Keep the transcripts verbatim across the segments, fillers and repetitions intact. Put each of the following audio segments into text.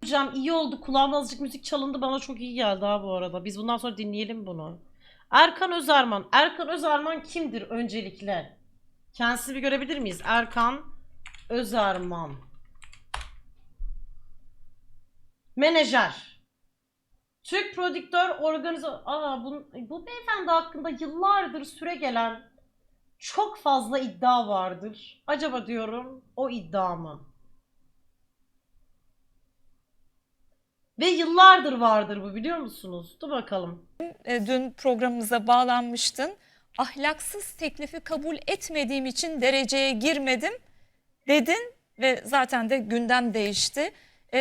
söyleyeceğim. İyi oldu. Kulağımda azıcık müzik çalındı. Bana çok iyi geldi ha bu arada. Biz bundan sonra dinleyelim bunu. Erkan Özarman. Erkan Özarman kimdir öncelikle? Kendisini bir görebilir miyiz? Erkan Özarman. Menajer. Türk prodüktör organizatör. Aa, bu, bu beyefendi hakkında yıllardır süre gelen çok fazla iddia vardır. Acaba diyorum o iddia mı? Ve yıllardır vardır bu, biliyor musunuz? Dur bakalım. E, dün programımıza bağlanmıştın. Ahlaksız teklifi kabul etmediğim için dereceye girmedim dedin ve zaten de gündem değişti.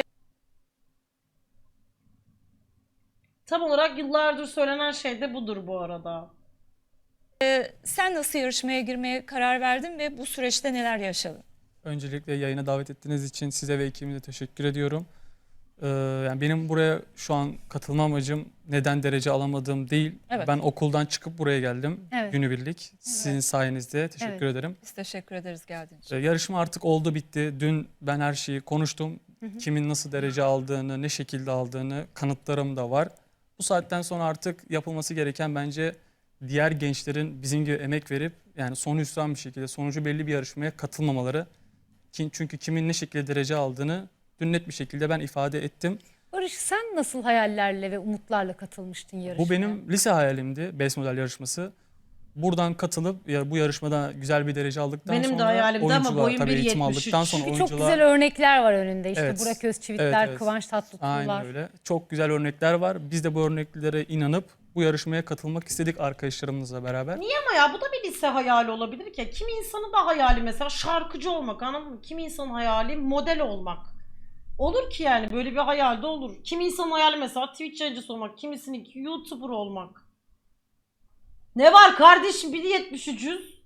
Tam olarak yıllardır söylenen şey de budur bu arada. E, sen nasıl yarışmaya girmeye karar verdin ve bu süreçte neler yaşadın? Öncelikle yayına davet ettiğiniz için size ve ekibimize teşekkür ediyorum. Ee, yani benim buraya şu an katılma amacım neden derece alamadığım değil. Evet. Ben okuldan çıkıp buraya geldim Evet. günübirlik. Sizin sayenizde teşekkür Evet. ederim. Biz teşekkür ederiz geldiğin için. Ee, yarışma artık oldu bitti. Dün ben her şeyi konuştum. Hı hı. Kimin nasıl derece aldığını, ne şekilde aldığını kanıtlarım da var. Bu saatten sonra artık yapılması gereken bence diğer gençlerin bizim gibi emek verip yani sonu hüsran bir şekilde sonucu belli bir yarışmaya katılmamaları. Çünkü kimin ne şekilde derece aldığını dün net bir şekilde ben ifade ettim. Barış, sen nasıl hayallerle ve umutlarla katılmıştın yarışmaya? Bu benim lise hayalimdi, Best Model yarışması. Buradan katılıp ya bu yarışmada güzel bir derece aldıktan Benim de sonra hayalimdi ama oyuncular boyum tabii bir eğitim yetmiş üç. aldıktan sonra Çünkü oyuncular... çok güzel örnekler var önünde. İşte Evet, Burak Özçivitler, evet, evet. Kıvanç Tatlıtuğ'lar. Aynen öyle. Çok güzel örnekler var. Biz de bu örneklere inanıp bu yarışmaya katılmak istedik arkadaşlarımızla beraber. Niye ama ya? Bu da bir lise hayali olabilir ki. Kimi insanın da hayali mesela şarkıcı olmak, anladın mı? Kimi insanın hayali model olmak. Olur ki yani, böyle bir hayal de olur. Kimi insanın hayali mesela Twitch yayıncısı olmak, kimisinin YouTuber olmak. Ne var kardeşim, bir yetmiş üçüz.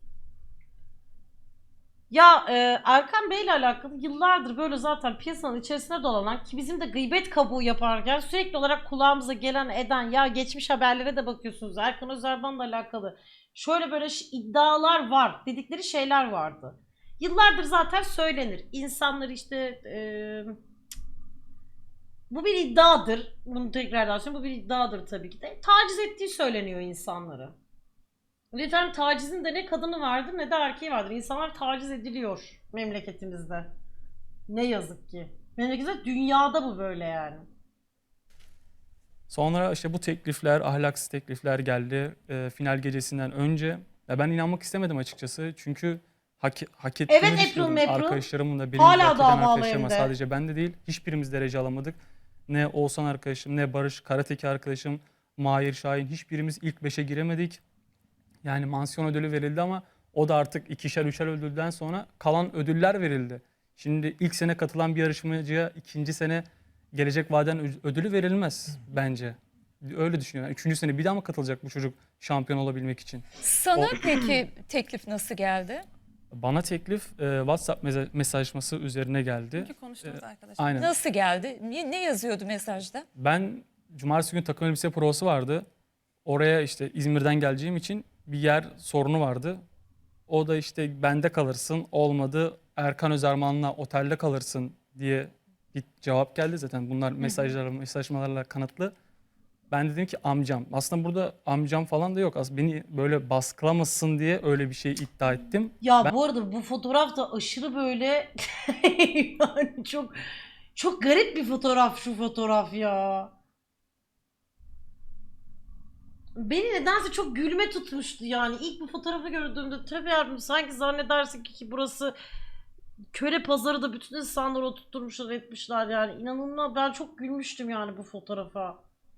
Ya e, Erkan Bey ile alakalı yıllardır böyle zaten piyasanın içerisine dolanan, ki bizim de gıybet kabuğu yaparken sürekli olarak kulağımıza gelen eden, ya geçmiş haberlere de bakıyorsunuz, Erkan Özerman'la alakalı şöyle böyle iddialar var dedikleri şeyler vardı. Yıllardır zaten söylenir. İnsanlar işte e, bu bir iddiadır. Bunu tekrardan söyleyeyim, bu bir iddiadır tabii ki de. Taciz ettiği söyleniyor insanları. Lütfen, tacizin de ne kadını vardır ne de erkeği vardır. İnsanlar taciz ediliyor memleketimizde. Ne yazık ki. Memleketimizde, dünyada bu böyle yani. Sonra işte bu teklifler, ahlaksız teklifler geldi e, final gecesinden önce. Ya ben inanmak istemedim açıkçası. Çünkü hak, hak ettiğimi Evet, düşünüyordum. April, April. Arkadaşlarımın da benim Hala hak eden davalı arkadaşlarıma, evde. sadece ben de değil. Hiçbirimiz derece alamadık. Ne Oğuzhan arkadaşım, ne Barış, Karateki arkadaşım, Mahir Şahin, hiçbirimiz ilk beşe giremedik. Yani mansiyon ödülü verildi ama o da artık ikişer üçer ödülden sonra kalan ödüller verildi. Şimdi ilk sene katılan bir yarışmacıya ikinci sene gelecek vaden ödülü verilmez bence. Öyle düşünüyorum. Yani üçüncü sene bir daha mı katılacak bu çocuk şampiyon olabilmek için? Sana O- peki teklif nasıl geldi? Bana teklif e, WhatsApp meza- mesajlaşması üzerine geldi. Konuştuğumuz arkadaşlar. Aynen. Nasıl geldi? Ne, ne yazıyordu mesajda? Ben cumartesi günü takım elbise provası vardı. Oraya işte İzmir'den geleceğim için bir yer sorunu vardı. O da işte bende kalırsın, olmadı Erkan Özerman'la otelde kalırsın diye bir cevap geldi. Zaten bunlar mesajlarla, mesajmalarla kanıtlı. Ben dedim ki amcam. Aslında burada amcam falan da yok. Aslında beni böyle baskılamasın diye öyle bir şey iddia ettim. Ya Ben- bu arada bu fotoğraf da aşırı böyle yani çok çok garip bir fotoğraf şu fotoğraf ya. Beni nedense çok gülme tutmuştu yani. İlk bu fotoğrafı gördüğümde tabii yavrum, sanki zannedersin ki, ki burası köle pazarı da bütün insanları oturtmuşlar etmişler yani. İnanılmaz, ben çok gülmüştüm yani bu fotoğrafa.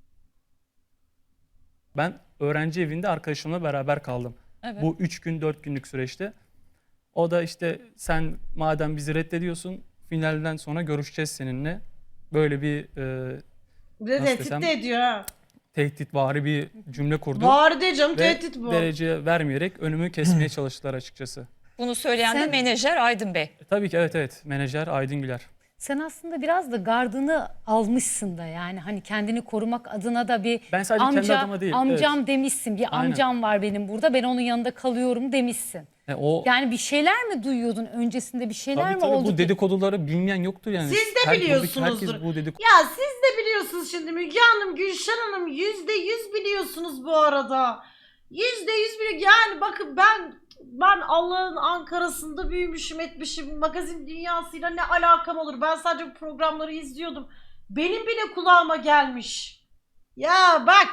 Ben öğrenci evinde arkadaşımla beraber kaldım. Evet. Bu üç gün dört günlük süreçte. O da işte sen madem bizi reddediyorsun finalden sonra görüşeceğiz seninle. Böyle bir e, Bir de Nasıl tehdit desem? de ediyor ha. tehditvari bir cümle kurdu. Var de canım, Ve tehdit bu. derece vermeyerek önümü kesmeye çalıştılar açıkçası. Bunu söyleyen de Sen- menajer Aydın Bey. E, tabii ki evet evet menajer Aydın Güler. Sen aslında biraz da gardını almışsın da, yani hani kendini korumak adına da bir Ben sadece kendi amca adıma değil, amcam evet. demişsin. Bir Aynen. amcam var benim burada, ben onun yanında kalıyorum demişsin. E, o Yani bir şeyler mi duyuyordun öncesinde, bir şeyler tabii mi tabii oldu bu ki? dedikoduları bilmeyen yoktur yani. Siz de Her- buradaki biliyorsunuzdur. Herkes bu dedikodu Ya siz de biliyorsunuz şimdi Müge Hanım, Gülşen Hanım yüzde yüz biliyorsunuz bu arada. Yüzde yüz biliyor. Yani bakın ben ben Allah'ın Ankara'sında büyümüşüm etmişim. Magazin dünyasıyla ne alakam olur? Ben sadece bu programları izliyordum. Benim bile kulağıma gelmiş. Ya bak.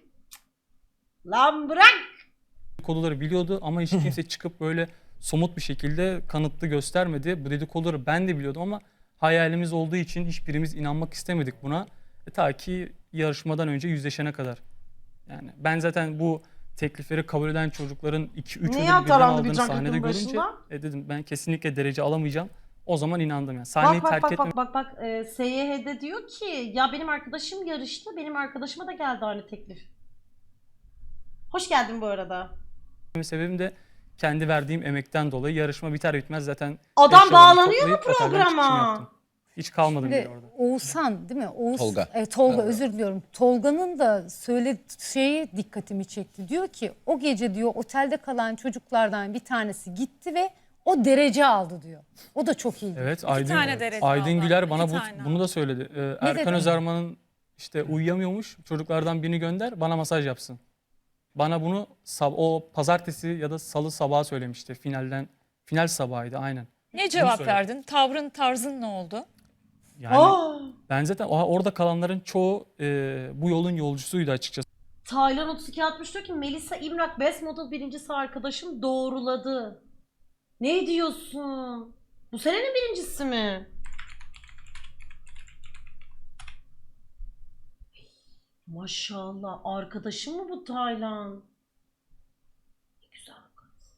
Lan bırak. dedikoduları biliyordu ama hiç kimse çıkıp böyle somut bir şekilde kanıtlı göstermedi. Bu dedikoduları ben de biliyordum ama hayalimiz olduğu için hiçbirimiz inanmak istemedik buna. E, ta ki yarışmadan önce yüzleşene kadar. Yani ben zaten bu teklifleri kabul eden çocukların iki üç Niye ödül birden atalandı bir aldığını can sahnede yakının görünce başında? e, dedim ben kesinlikle derece alamayacağım. O zaman inandım yani. Sahneyi Bak bak terk bak etmemek bak bak bak e, S Y H'de diyor ki ya benim arkadaşım yarıştı. Benim arkadaşıma da geldi aynı teklif. Hoş geldin bu arada. sebebim de kendi verdiğim emekten dolayı. Yarışma biter bitmez zaten Adam eşyalarımı bağlanıyor mu toplayıp otelden çıkışımı programa? yaptım. Hiç kalmadım Şimdi bile orada. Oğuzhan değil mi? Oğuz, Tolga. E, Tolga Tolga. özür diliyorum. Tolga'nın da söyle şeyi dikkatimi çekti. Diyor ki o gece diyor otelde kalan çocuklardan bir tanesi gitti ve o derece aldı diyor. O da çok iyi. Evet, Aydın, tane derece Aydın aldı. Güler bana İki bu, tane bunu da söyledi. Ee, Erkan dedi? Özarman'ın işte uyuyamıyormuş. Çocuklardan birini gönder, bana masaj yapsın. Bana bunu sab- o pazartesi ya da salı sabahı söylemişti finalden. Final sabahıydı aynen. Ne cevap söyle. verdin? Tavrın, tarzın ne oldu? Yani Aa, ben zaten o- orada kalanların çoğu e, bu yolun yolcusuydu açıkçası. Taylan otuz iki altmış diyor ki Melisa İmrak Best Model birincisi arkadaşım doğruladı. Ne diyorsun? Bu senenin birincisi mi? Maşallah arkadaşım mı bu Taylan? Ne güzel kız.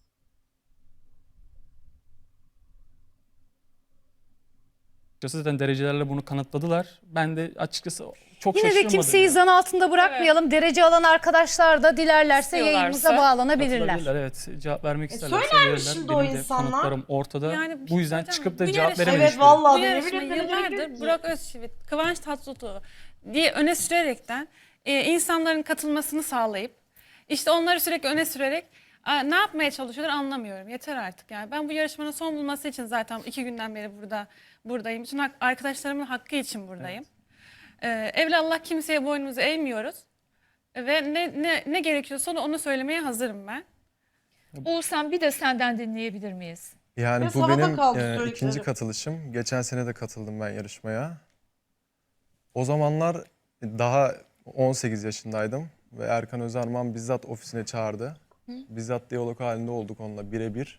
Zaten derecelerle bunu kanıtladılar. Ben de açıkçası çok Yine de şaşırmadım. kimseyi ya. zan altında bırakmayalım. Derece alan arkadaşlar da dilerlerse İstiyorlarsa yayınımıza bağlanabilirler. Katılabilirler, evet. Cevap vermek E, isterlerse söylermiş verirler. şimdi o Benim de insanlar. kanıtlarım ortada. Yani bir bu şey yüzden söyleyeceğim. çıkıp da Bu cevap yarışma- verememiş. Evet vallahi. Bu de, yarışma yemin ederim yıllardır ki. Burak Özçivit, Kıvanç Tatlıtuğ diye öne sürerekten e, insanların katılmasını sağlayıp işte onları sürekli öne sürerek a, ne yapmaya çalışıyorlar anlamıyorum. Yeter artık yani. Ben bu yarışmanın son bulması için zaten iki günden beri burada buradayım. Bütün hak- arkadaşlarımın hakkı için buradayım. Ee, evlallah kimseye boynumuzu eğmiyoruz. Ve ne, ne, ne gerekiyorsa onu, onu söylemeye hazırım ben. Oğuzhan bir de senden dinleyebilir miyiz? Yani Ve bu sana da benim kaldı e, söyledikleri. ikinci katılışım. Geçen sene de katıldım ben yarışmaya. O zamanlar daha on sekiz yaşındaydım ve Erkan Özarman bizzat ofisine çağırdı. Bizzat diyalog halinde olduk onunla birebir.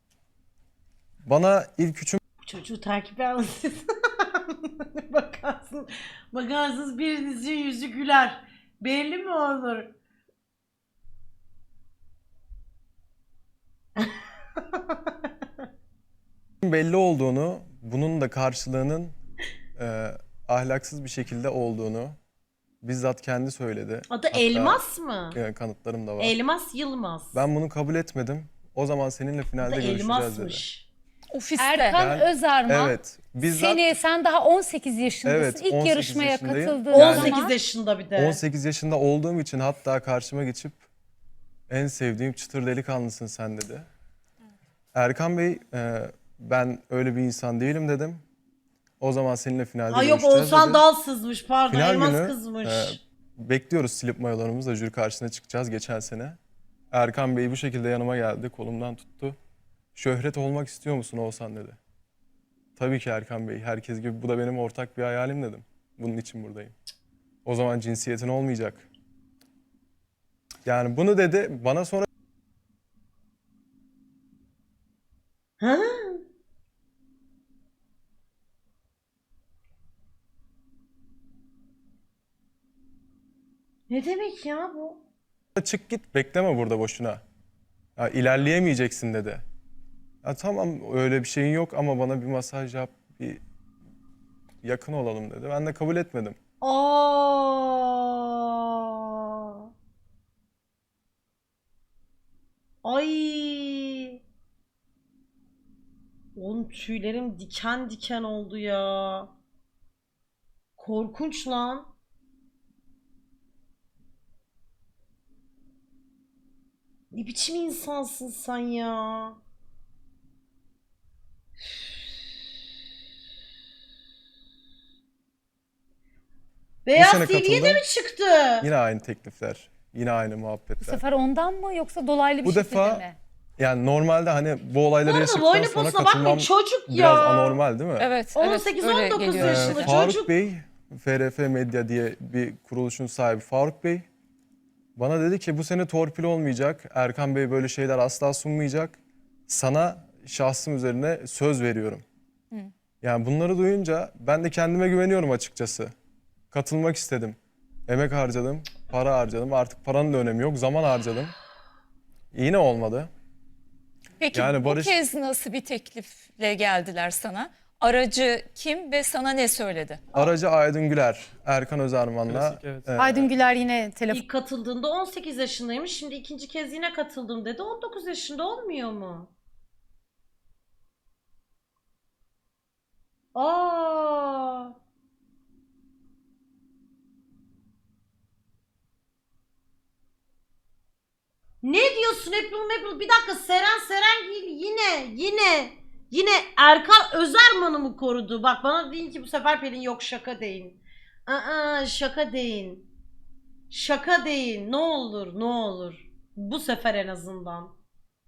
Bana ilk üçüm Bu çocuğu takip alın. Bakarsın, bakarsınız birinizin yüzü güler. Belli mi olur? belli olduğunu, bunun da karşılığının e, ahlaksız bir şekilde olduğunu bizzat kendi söyledi. Adı Hatta, Elmas mı? e, kanıtlarım da var. Elmas Yılmaz. Ben bunu kabul etmedim. O zaman seninle Adı finalde görüşeceğiz dedi. Elmas'mış. Ofiste. Erkan Ben- Özarman Evet. Bizzat seni, sen daha on sekiz yaşındasın. Evet, İlk on sekiz yarışmaya yaşındayım. katıldığın Yani- on sekiz zaman yaşında bir de. on sekiz yaşında olduğum için hatta karşıma geçip en sevdiğim çıtır delikanlısın sen dedi. Erkan Bey e, ben öyle bir insan değilim dedim. O zaman seninle finalde Ay yok görüşeceğiz Oğuzhan dedi. dal sızmış pardon Final Elmas günü, kızmış. e, bekliyoruz silip mayolarımızla jüri karşısına çıkacağız geçen sene. Erkan Bey bu şekilde yanıma geldi, kolumdan tuttu. Şöhret olmak istiyor musun Oğuzhan dedi. Tabii ki Erkan Bey, herkes gibi bu da benim ortak bir hayalim dedim. Bunun için buradayım. O zaman cinsiyetin olmayacak. Yani bunu dedi, bana sonra Ha? Ne demek ya bu? çık git, bekleme burada boşuna. Ya, ilerleyemeyeceksin dedi. Ya tamam öyle bir şeyin yok ama bana bir masaj yap, bir yakın olalım dedi. Ben de kabul etmedim. Aa. Ay. Oğlum tüylerim diken diken oldu ya. Korkunç lan. Ne biçim insansın sen ya? Beyaz sene T V'ye de katıldım. mi çıktı? Yine aynı teklifler, yine aynı Bu muhabbetler. sefer ondan mı yoksa dolaylı bir Bu şekilde defa mi? Yani normalde hani bu olayları Oğlum yaşadıktan boynu sonra posuna katılmam bakmayın, çocuk ya. biraz anormal değil mi? Evet, on evet, sekiz öyle on dokuz geliyor. Ee, yaşında Faruk çocuk. Bey, F R F Medya diye bir kuruluşun sahibi Faruk Bey bana dedi ki bu sene torpil olmayacak. Erkan Bey böyle şeyler asla sunmayacak. Sana şahsım üzerine söz veriyorum. Yani bunları duyunca ben de kendime güveniyorum açıkçası. Katılmak istedim. Emek harcadım, para harcadım. Artık paranın da önemi yok. Zaman harcadım. Yine olmadı. Peki Yani bu Barış- kez nasıl bir teklifle geldiler sana? Aracı kim ve sana ne söyledi? Aracı Aydın Güler, Erkan Özarman'la. Klasik, evet. e, Aydın Güler yine telefon. İlk katıldığında on sekiz yaşındaymış. Şimdi ikinci kez yine katıldım dedi. on dokuz yaşında olmuyor mu? Aa. Ne diyorsun April April? Bir dakika, Seren Serengil yine yine yine Erkan Özerman'ı mı korudu? Bak bana deyin ki bu sefer Pelin yok, şaka deyin. Aa, şaka deyin. Şaka deyin. Ne olur ne olur. Bu sefer en azından.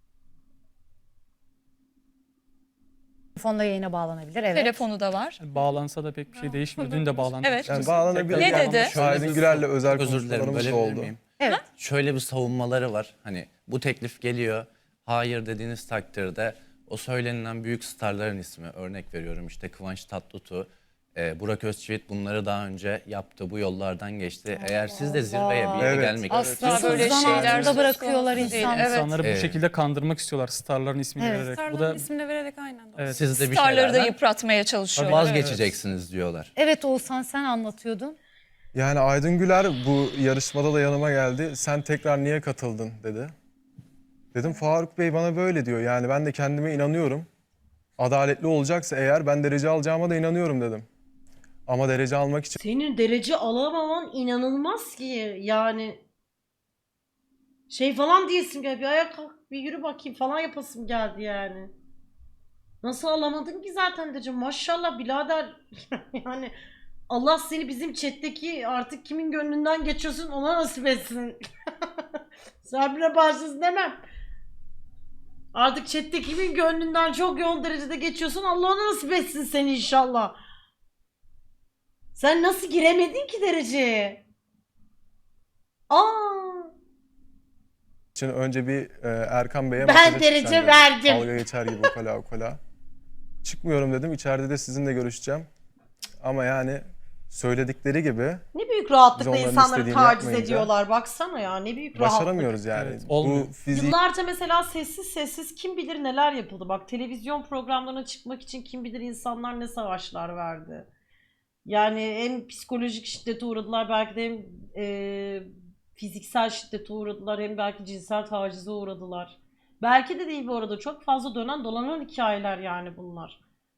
Telefonla yayına bağlanabilir. Evet. Telefonu da var. Bağlansa da pek bir şey değişmiyor. Dün de bağlandı. Evet. Yani bağlanabilir. Ne Yani dedi? şu Aydın Güler'le özel Çok özür dilerim, konuşmalarımız da bölebilir oldu. miyim? Evet. Şöyle bir savunmaları var. Hani bu teklif geliyor. Hayır dediğiniz takdirde o söylenilen büyük starların ismi, örnek veriyorum işte Kıvanç Tatlıtuğ, e, Burak Özçivit bunları daha önce yaptı. Bu yollardan geçti. Eğer siz de zirveye bir yere Evet. gelmek Asla istiyorsanız böyle Zan şeyler altında söz bırakıyorlar konusu değil. insanları. Evet. İnsanları bu Evet. şekilde kandırmak istiyorlar. Starların ismini Evet. vererek. Bu Starların da ismini vererek aynen. evet. siz de bir Starları da şeylerden yıpratmaya çalışıyorlar. vazgeçeceksiniz diyorlar. Evet Oğuzhan, sen anlatıyordun. Yani Aydın Güler bu yarışmada da yanıma geldi. Sen tekrar niye katıldın dedi. Dedim Faruk Bey bana böyle diyor. Yani ben de kendime inanıyorum. Adaletli olacaksa eğer ben derece alacağıma da inanıyorum dedim. Ama derece almak için Senin derece alamaman inanılmaz ki yani. Şey falan diyesim geldi. Bir ayağa kalk bir yürü bakayım falan yapasım geldi yani. Nasıl alamadın ki zaten diyeceğim. Maşallah birader. Yani Allah seni bizim chat'teki artık kimin gönlünden geçiyorsun ona nasip etsin. Sabrine bağışlasın demem. Artık chat'te kimin gönlünden çok yoğun derecede geçiyorsun Allah ona nasip etsin seni inşallah. Sen nasıl giremedin ki dereceye? Aa, için önce bir e, Erkan Bey'e Ben mesaj atacağım derece dedim. verdim. Dalga geçer gibi okala okala. Çıkmıyorum dedim. İçeride de sizinle görüşeceğim. Ama yani söyledikleri gibi ne büyük Biz rahatlıkla onların insanları istediğini taciz yapmayınca ediyorlar. Baksana ya ne büyük rahatlık. başaramıyoruz yani. Evet, olmuyor. Bu fiziği Yıllarca mesela sessiz sessiz kim bilir neler yapıldı. Bak televizyon programlarına çıkmak için kim bilir insanlar ne savaşlar verdi. Yani hem psikolojik şiddete uğradılar belki de hem e, fiziksel şiddete uğradılar hem belki cinsel tacize uğradılar. Belki de değil bu arada çok fazla dönen dolanan hikayeler yani bunlar.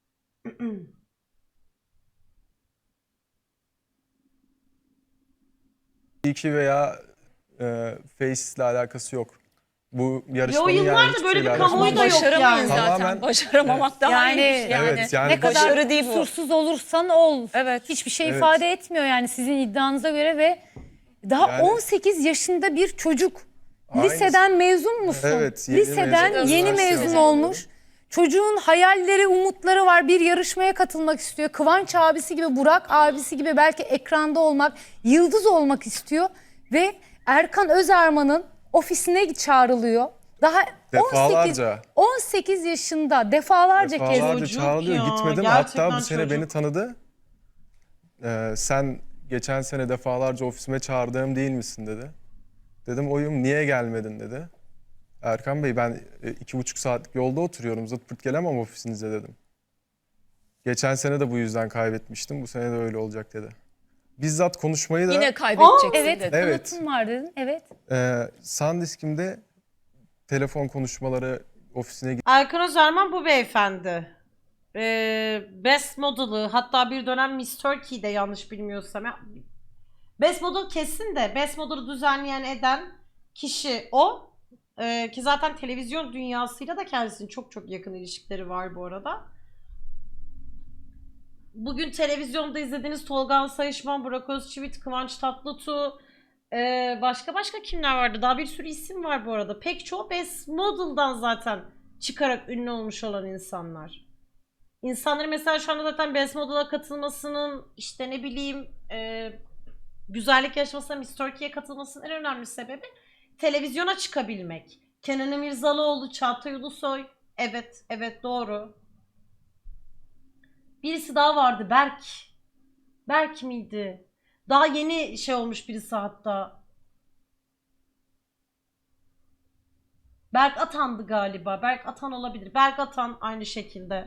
iki veya e, Face ile alakası yok. Bu Ve o yarışmanın yani yıllarda hiçbir böyle bir şeyle kamuoyu alakası da yok. yok Başaramayız yani. zaten. Tamamen- Başaramamak daha Yani- iyiymiş yani. Evet, yani ne kadar başarı değil bu. kusursuz olursan ol. Evet. Hiçbir şey Evet. ifade etmiyor yani sizin iddianıza göre ve daha Yani- on sekiz yaşında bir çocuk. Aynısı. Liseden mezun musun? Evet, yeni Liseden mezun, yeni üniversite mezun mezunu. olmuş. Çocuğun hayalleri, umutları var. Bir yarışmaya katılmak istiyor. Kıvanç abisi gibi, Burak abisi gibi belki ekranda olmak, yıldız olmak istiyor. Ve Erkan Özarman'ın ofisine çağrılıyor. Daha on sekiz, Defalarca. on sekiz yaşında defalarca, kez. Defalarca Çocuk çağrılıyor. ya, Gitmedim. gerçekten Hatta bu sene çocuk. beni tanıdı. Ee, sen geçen sene defalarca ofisime çağırdığım değil misin dedi. Dedim oyum niye gelmedin dedi. Erkan Bey ben e, iki buçuk saatlik yolda oturuyorum. Zıt pırt gelemem ofisinize dedim. Geçen sene de bu yüzden kaybetmiştim. Bu sene de öyle olacak dedi. Bizzat konuşmayı da Yine kaybedeceksin Evet, dedi. Evet. kanıtım var dedin. Evet. e, SanDisk'imde telefon konuşmaları ofisine Erkan Özerman bu beyefendi. Ee, Best Model'ı, hatta bir dönem Miss Turkey'de yanlış bilmiyorsam. Ya, Best Model kesin de Best Model'ı düzenleyen eden kişi o. Ee, ki zaten televizyon dünyasıyla da kendisinin çok çok yakın ilişkileri var bu arada. Bugün televizyonda izlediğiniz Tolga Sayışman, Burak Özçivit, Kıvanç Tatlıtuğ, ee, başka başka kimler vardı? Daha bir sürü isim var bu arada. Pek çoğu Best Model'dan zaten çıkarak ünlü olmuş olan insanlar. İnsanların mesela şu anda zaten Best Model'a katılmasının, işte ne bileyim e, güzellik yarışmasına, Miss Turkey'ye katılmasının en önemli sebebi televizyona çıkabilmek. Kenan İmirzalıoğlu, Çağatay Ulusoy. Evet, evet doğru. Birisi daha vardı, Berk. Berk miydi? Daha yeni şey olmuş birisi hatta. Berk Atan'dı galiba. Berk Atan olabilir. Berk Atan aynı şekilde.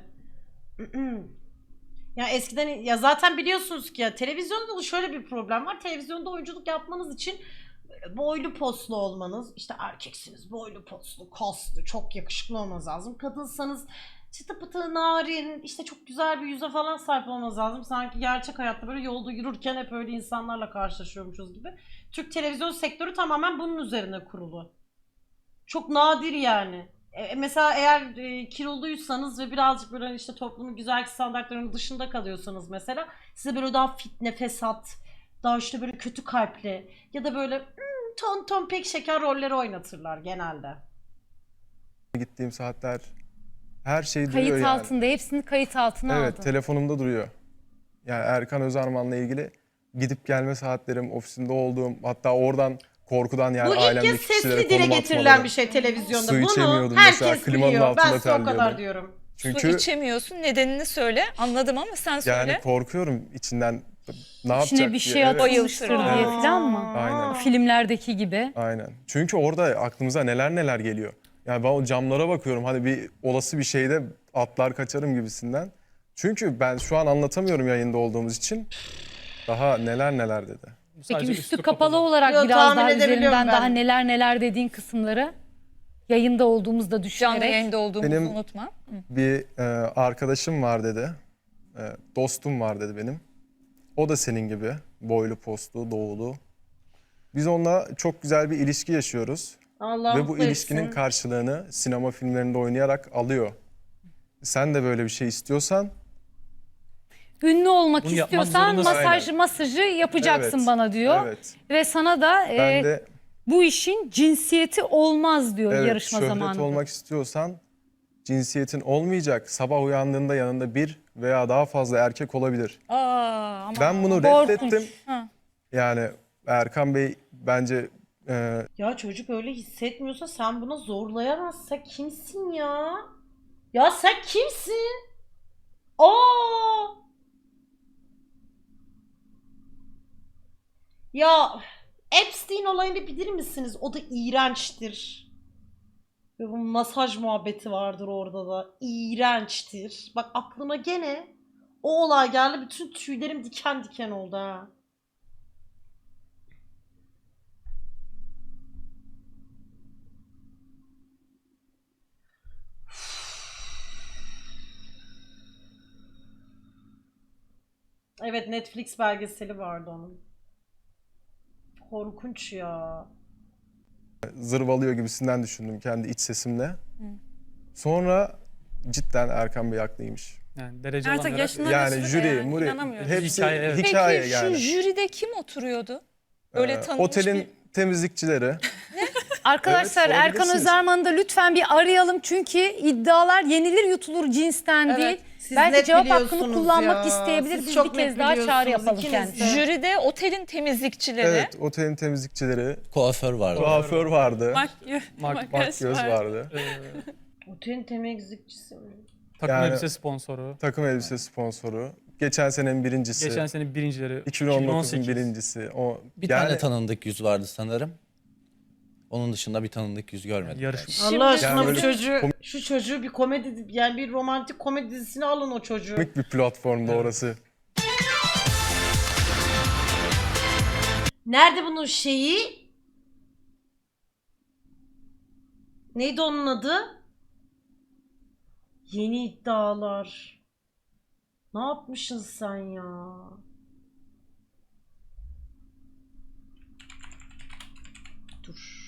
Ya eskiden, ya zaten biliyorsunuz ki ya televizyonda da şöyle bir problem var. Televizyonda oyunculuk yapmanız için boylu poslu olmanız, işte erkeksiniz, boylu poslu, kaslı, çok yakışıklı olmanız lazım. Kadınsanız çıtı pıtı, narin, işte çok güzel bir yüze falan sahip olmanız lazım. Sanki gerçek hayatta böyle yolda yürürken hep öyle insanlarla karşılaşıyormuşuz gibi. Türk televizyon sektörü tamamen bunun üzerine kurulu. Çok nadir yani. E, mesela eğer e, kiloluysanız ve birazcık böyle işte toplumun güzellik standartlarının dışında kalıyorsanız mesela, size böyle daha fitne, fesat, daha işte böyle kötü kalpli ya da böyle hmm, ton ton pek şeker rolleri oynatırlar genelde. Gittiğim saatler her şey duruyor Kayıt yani. altında, hepsini kayıt altına Evet, aldın. telefonumda duruyor. Yani Erkan Özarman'la ilgili gidip gelme saatlerim, ofisinde olduğum, hatta oradan korkudan yani Bu ilk ailemdeki kez kişilere sesli dile konum getirilen atmaları. bir şey televizyonda. Su Bunu içemiyordum herkes mesela, klimanın biliyor. altında Ben size o kadar terliyordum. diyorum. Çünkü Su içemiyorsun, nedenini söyle. Anladım ama sen söyle. yani korkuyorum içinden ne yapacak İçine bir diye. şey Evet, atılmıştır Bayıltır. diye Aa. falan mı? Aynen. Filmlerdeki gibi. Aynen. Çünkü orada aklımıza neler neler geliyor. Yani ben o camlara bakıyorum, hani bir olası bir şeyde atlar kaçarım gibisinden. Çünkü ben şu an anlatamıyorum yayında olduğumuz için. Daha neler neler dedi. Bu Peki sadece üstü kapalı olarak Yo, biraz tahmin daha edebiliyorum üzerinden ben. daha neler neler dediğin kısımları yayında olduğumuzda düşünerek. Canlı yayında olduğumuzu Benim- unutma. Hı. Bir e, arkadaşım var dedi. E, dostum var dedi benim. O da senin gibi boylu postlu, doğulu. Biz onunla çok güzel bir ilişki yaşıyoruz. Allah Ve bu mutlu ilişkinin etsin. karşılığını sinema filmlerinde oynayarak alıyor. Sen de böyle bir şey istiyorsan Ünlü olmak Bunu yapmak istiyorsan zorundasın. masaj Aynen. masajı yapacaksın Evet, bana diyor. evet. Ve sana da e, Ben de bu işin cinsiyeti olmaz diyor evet, yarışma şöhret zamanında. olmak istiyorsan cinsiyetin olmayacak. Sabah uyandığında yanında bir veya daha fazla erkek olabilir. Aa, ama Ben bunu korkunç. reddettim. Ha. Yani Erkan Bey bence e, Ya çocuk öyle hissetmiyorsa sen buna zorlayamazsın. Sen kimsin ya? Ya sen kimsin? Aa! Ya Epstein olayını bilir misiniz? O da iğrençtir. Ve bu masaj muhabbeti vardır orada da. İğrençtir. Bak aklıma gene o olay geldi. Bütün tüylerim diken diken oldu ha. Evet, Netflix belgeseli vardı onun. Korkunç ya. zırvalıyor gibisinden düşündüm kendi iç sesimle. Sonra cidden Erkan Bey haklıymış. Yani derece Artık alanlara yaşına Yani başladı jüri, yani, muri, inanamıyorum. hepsi Hikaye, evet. hikaye Peki yani. şu jüride kim oturuyordu? Böyle Ee, tanınmış otelin bir... temizlikçileri. Arkadaşlar Evet, Erkan sorabilirsiniz. Özarman'ı da lütfen bir arayalım çünkü iddialar yenilir yutulur cinsten Evet, değil. siz Belki net cevap hakkını biliyorsunuz kullanmak ya. isteyebilir. Siz Biz çok bir kez net daha çağrı biliyorsunuz, yapalım ikiniz kendisine. de. Jüride otelin temizlikçileri. Evet, otelin temizlikçileri. Kuaför vardı. Kuaför vardı. Makyaj, Mak- makyaj Göz var. vardı. Ee, Otelin temizlikçisi mi? takım Yani- elbise sponsoru. Takım elbise sponsoru. Geçen senenin birincisi. Geçen sene birincileri. iki bin on dokuzun iki bin on sekiz. birincisi. O Bir yani, tane tanındık yüz vardı sanırım. Onun dışında bir tanındık yüz görmedim. Yarışma. Şimdi- Allah aşkına Yani bu öyle- çocuğu, şu çocuğu bir komedi, yani bir romantik komedi dizisine alın o çocuğu. komik bir platformda Evet. orası. Nerede bunun şeyi? Neydi onun adı? Yeni iddialar. Ne yapmışsın sen ya? Dur.